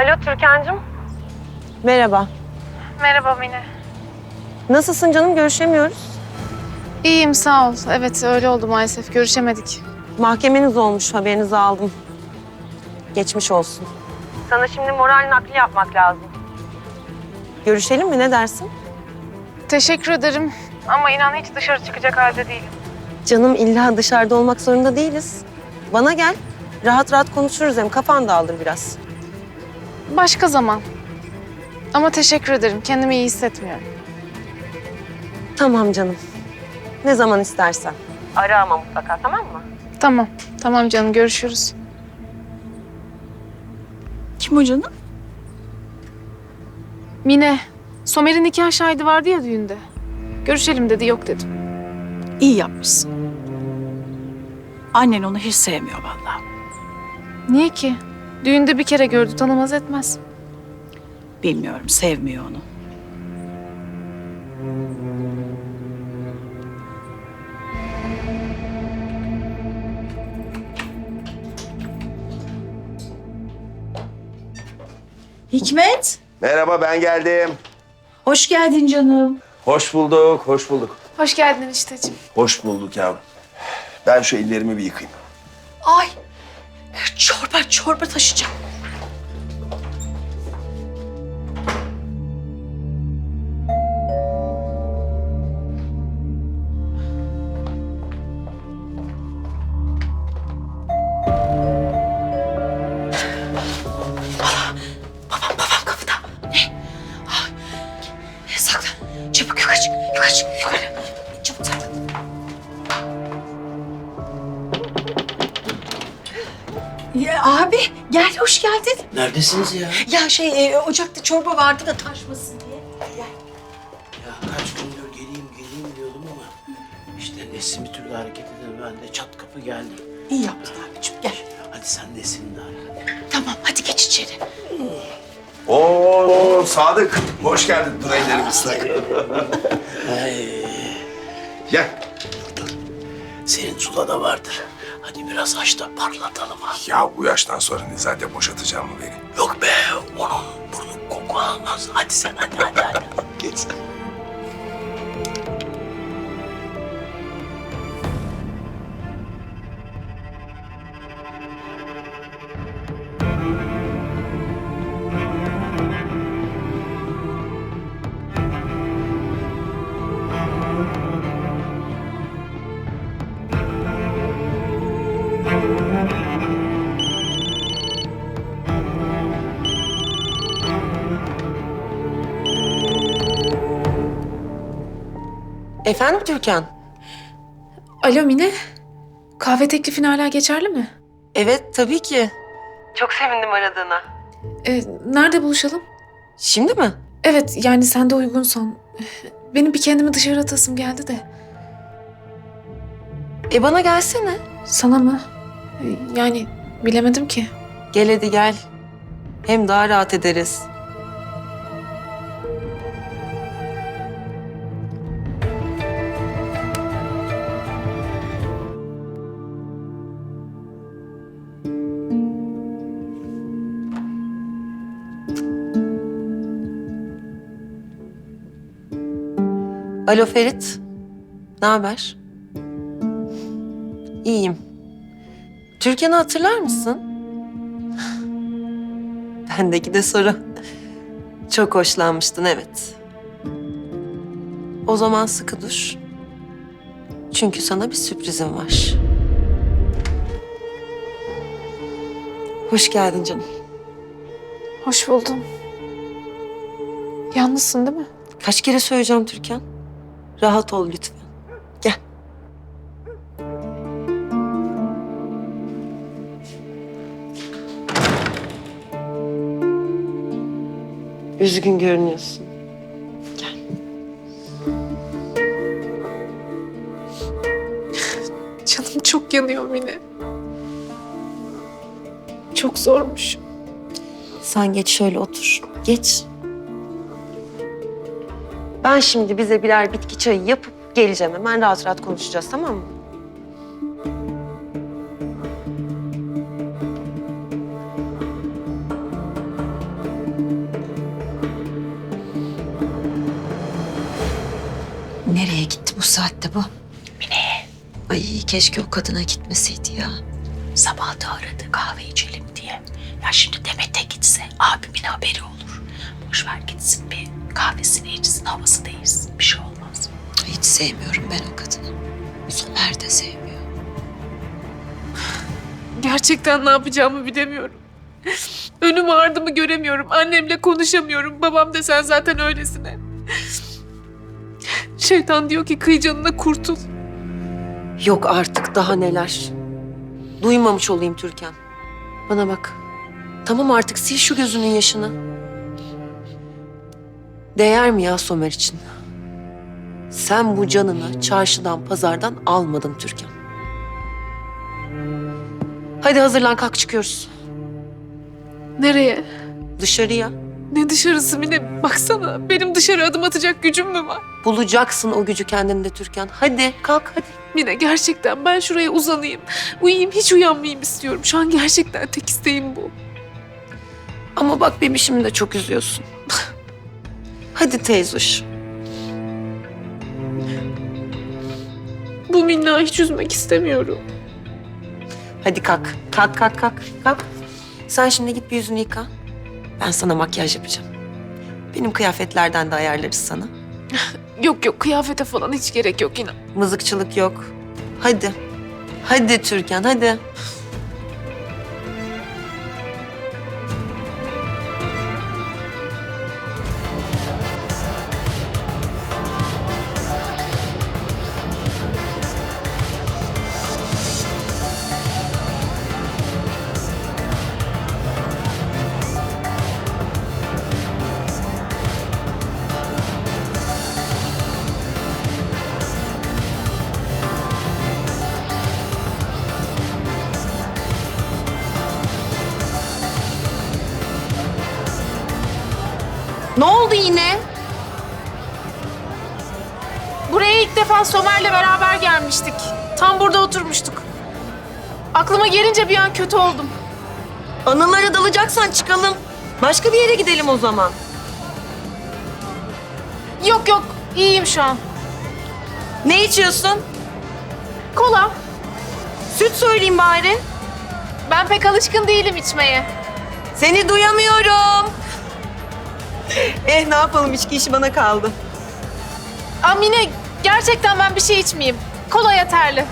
Alo Türkan'cığım. Merhaba. Merhaba Mine. Nasılsın canım? Görüşemiyoruz. İyiyim sağ ol. Evet öyle oldu maalesef. Görüşemedik. Mahkemeniz olmuş, haberinizi aldım. Geçmiş olsun. Sana şimdi moral nakli yapmak lazım. Görüşelim mi? Ne dersin? Teşekkür ederim. Ama inan hiç dışarı çıkacak halde değilim. Canım illa dışarıda olmak zorunda değiliz. Bana gel. Rahat rahat konuşuruz hem kafan dağılır biraz. Başka zaman. Ama teşekkür ederim. Kendimi iyi hissetmiyorum. Tamam canım. Ne zaman istersen. Ara ama mutlaka, tamam mı? Tamam. Tamam canım görüşürüz. Kim o canım? Mine. Somer'in nikah şahidi vardı ya düğünde. Görüşelim dedi yok dedim. İyi yapmışsın. Annen onu hiç sevmiyor vallahi. Niye ki? Düğünde bir kere gördü tanımaz etmez. Bilmiyorum, sevmiyor onu. Hikmet, Merhaba, ben geldim. hoş geldin canım. Hoş bulduk, hoş bulduk. Hoş geldin enişteciğim. Hoş bulduk yavrum. Ben şu ellerimi bir yıkayayım. Ay, çorba taşıyacağım. Babam kapıda. Ne? Ay, saklan. Çabuk yukarı çık, yukarı. Çabuk saklan. Ya abi gel hoş geldin. Neredesiniz ya? Ya ocakta çorba vardı da taşmasın diye. Gel. Ya kaç gündür geleyim diyordum ama işte Nesin bir türlü hareket edemedi. Ben de çat kapı geldim. İyi yaptın abicim gel. Hadi sen Nesin'i de ara hadi. Tamam hadi geç içeri. Oo, Sadık. Hoş geldin. Dur ellerimi ıslak. Ay, Gel. dur. Senin sulada vardır. Hadi biraz aç da parlatalım ha. Ya bu yaştan sonra Nezahat'e boşatacağım mı beni? Yok be onun burnu koku almaz. Hadi sen hadi. Geç sen. Efendim Türkan? Alo Mine. Kahve teklifin hala geçerli mi? Evet, tabii ki. Çok sevindim aradığına. Nerede buluşalım? Şimdi mi? Evet yani sen de uygunsan. Benim bir kendimi dışarı atasım geldi de. Bana gelsene. Sana mı? Yani bilemedim ki. Gel hadi gel. Hem daha rahat ederiz. Alo Ferit. Ne haber? İyiyim. Türkan'ı hatırlar mısın? Bendeki de soru. Çok hoşlanmıştın, evet. O zaman sıkı dur. Çünkü sana bir sürprizim var. Hoş geldin canım. Hoş buldum. Yalnızsın değil mi? Kaç kere söyleyeceğim Türkan? Rahat ol lütfen. Gel. Üzgün görünüyorsun. Gel. Canım çok yanıyor Mine. Çok zormuş. Sen geç şöyle otur. Geç. Ben şimdi bize birer bitki çayı yapıp geleceğim. Hemen rahat rahat konuşacağız, tamam mı? Bu saatte bu. Mine, Ay keşke o kadına gitmeseydi ya. sabah da aradı kahve içelim diye. Ya şimdi Demet'e gitse abimin haberi olur. Boş ver gitsin bir kahvesini içsin, havası değilsin. Bir şey olmaz. Hiç sevmiyorum ben o kadını. Somer de sevmiyor. Gerçekten ne yapacağımı bilemiyorum. Önüm ardımı göremiyorum. Annemle konuşamıyorum. Babam da sen zaten öylesine. Şeytan diyor ki kıy canına kurtul. Yok artık daha neler. Duymamış olayım Türkan. Bana bak. Tamam artık sil şu gözünün yaşını. Değer mi ya Somer için? Sen bu canını çarşıdan pazardan almadın Türkan. Hadi hazırlan kalk çıkıyoruz. Nereye? Dışarıya. Ne dışarısı Mine? Baksana benim dışarı adım atacak gücüm mü var? Bulacaksın o gücü kendinde Türkan. Hadi kalk hadi. Mine gerçekten ben şuraya uzanayım. Uyuyayım hiç uyanmayayım istiyorum. Şu an gerçekten tek isteğim bu. Ama bak bebişimi de çok üzüyorsun. Hadi teyzoş. Bu Minna'yı hiç üzmek istemiyorum. Hadi kalk. Kalk kalk kalk. Kalk. Sen şimdi git bir yüzünü yıka. Ben sana makyaj yapacağım. Benim kıyafetlerden de ayarlarız sana. Yok yok kıyafete falan hiç gerek yok inan. Mızıkçılık yok. Hadi. Hadi Türkan hadi. Ne oldu yine? Buraya ilk defa Somer'le beraber gelmiştik. Tam burada oturmuştuk. Aklıma gelince bir an kötü oldum. Anılara dalacaksan çıkalım. Başka bir yere gidelim o zaman. Yok yok iyiyim şu an. Ne içiyorsun? Kola. Süt söyleyeyim bari. Ben pek alışkın değilim içmeye. Seni duyamıyorum. Ne yapalım içki işi bana kaldı. Amine gerçekten ben bir şey içmeyeyim. Kola yeterli.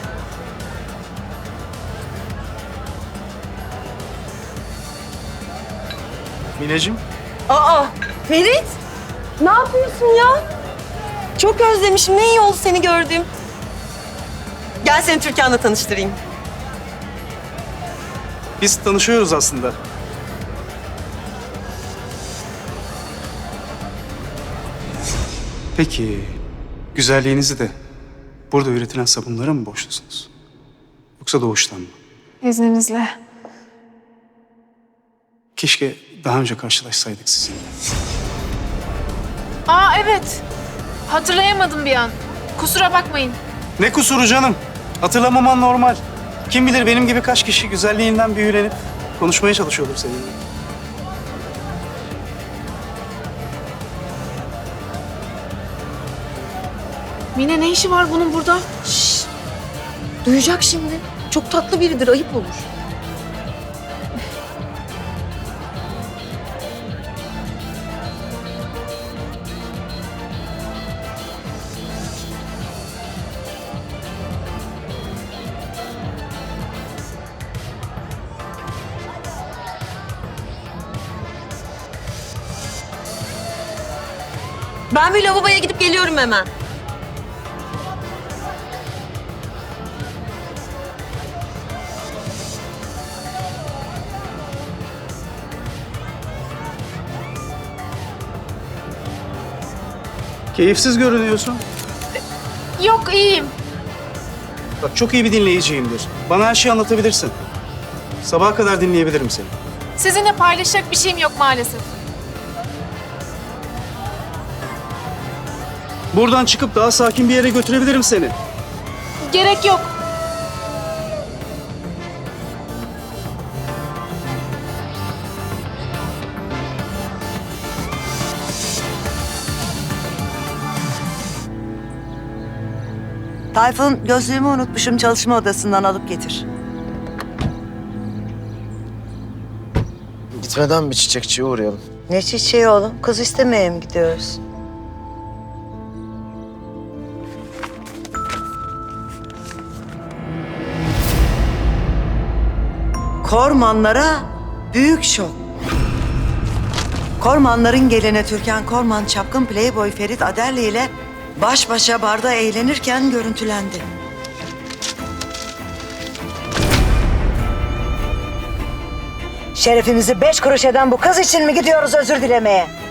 Mineciğim, Aa Ferit. Ne yapıyorsun ya? Çok özlemişim. Ne iyi oldu seni gördüğüm. Gel seni Türkan'la tanıştırayım. biz tanışıyoruz aslında. Peki, güzelliğinizi de burada üretilen sabunlara mı borçlusunuz? Yoksa doğuştan mı? İzninizle. Keşke daha önce karşılaşsaydık sizinle. Aa evet. Hatırlayamadım bir an. Kusura bakmayın. Ne kusuru canım? Hatırlamaman normal. Kim bilir benim gibi kaç kişi güzelliğinden büyülenip konuşmaya çalışıyordur seninle. Mine ne işi var bunun burada? Duyacak şimdi. Çok tatlı biridir. Ayıp olur. Ben bir lavaboya gidip geliyorum hemen. Keyifsiz görünüyorsun. Yok iyiyim. Bak çok iyi bir dinleyiciyimdir. Bana her şeyi anlatabilirsin. Sabaha kadar dinleyebilirim seni. Sizinle paylaşacak bir şeyim yok maalesef. Buradan çıkıp daha sakin bir yere götürebilirim seni. Gerek yok. Tayfun, gözlüğümü unutmuşum, çalışma odasından alıp getir. Gitmeden bir çiçekçiye uğrayalım. Ne çiçeği oğlum? Kız istemeye mi gidiyoruz? Kormanlara büyük şok. Kormanların gelini Türkan Korman, çapkın playboy Ferit Aderli ile baş başa barda eğlenirken görüntülendi. Şerefimizi 5 kuruş eden bu kız için mi gidiyoruz özür dilemeye?